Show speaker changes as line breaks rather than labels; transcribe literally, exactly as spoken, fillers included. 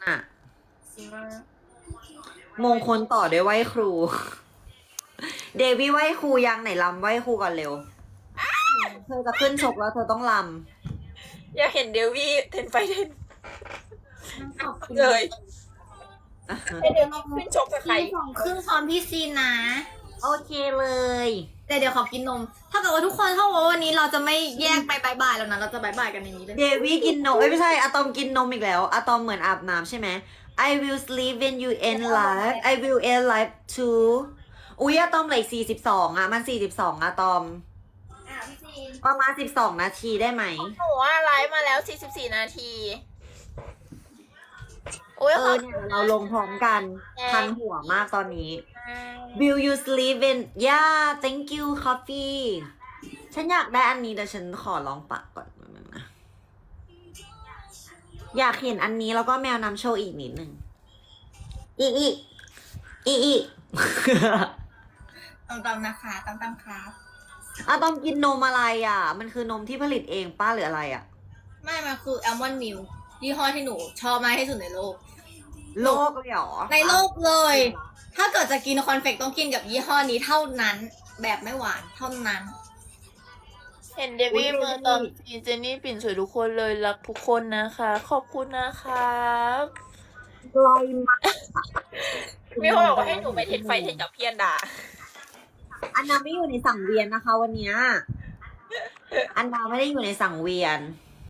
อ่ะ
สิมาม
งคลต่อด้วยไหว้ครู เดวี่ไหว้ครูยังไหนลำไหว้ครูก่อนเร็ว เธอจะขึ้นชกแล้วเธอต้องล
อยากเห็นเดวี่เทนไฟเทน
ขอบคุณ
เลย
ำ
ให้เดวี่ขึ้นชกกับใคร
พี่สองครึ่งพร้อมพี่ซีนนะ
โอเคเลย
แต่เดี๋ยวขอกินนม ถ้าเกิดว่าทุกคนเข้าว่าวันนี้เราจะไม่แยกไปบายบายแล้วนะ เราจะบายบายกันในนี้เลย
เดวี่กินนมเอ้ยไม่ใช่อะตอมกินนมอีกแล้วอะตอมเหมือนอาบน้ำใช่ไหม I will sleep when you end life I will end life too อุ้ยอะตอมเหลือสี่สิบสองอะมันสี่สิบสองอะตอม
อ่ะพี่ซีน
ประมาณสิบสองนาทีได้ไหม
หนูว่าไลฟ์มาแล้วสี่สิบสี่นาทีโอ้ย
เอ
ขอ
อบ เนี่ยเราลงพร้อมกันพันหัวมากตอนนี้ Will you sleep in yeah thank you coffee ฉันอยากได้อันนี้แต่ฉันขอลองปากก่อนนะอยากเห็นอันนี้แล้วก็แมวนำโชว์อีกนิดนึงอีอีอีอี
ตามๆนะคะตามๆครับ
อะต้องกินนมอะไรอ่ะ มันคือนมที่ผลิตเองป้าหรืออะไรอ่ะ
ไม่มันคือแอลมอนด์มิลยี่ห้อที่หนูชอบมากที่สุดในโลก
โลกเลยเหรอ
ในโลกเลย ถ้าเกิดจะกินคอนเฟกต้องกินกับยี่ห้อนี้เท่านั้น แบบไม่หวานเท่านั้น
เห็นเดวี่มาตอนซีเจนนี่ปิ่นสวยทุกคนเลยรักทุกคนนะคะ ขอบคุณนะครับ
ลอยมาก
มีคนบอกว่าให้หนูไปเทนไฟเทนกับพี่อันดา
อันนาไม่อยู่ในสังเวียนนะคะ วันเนี้ยอันนาไม่ได้อยู่ในสังเวียน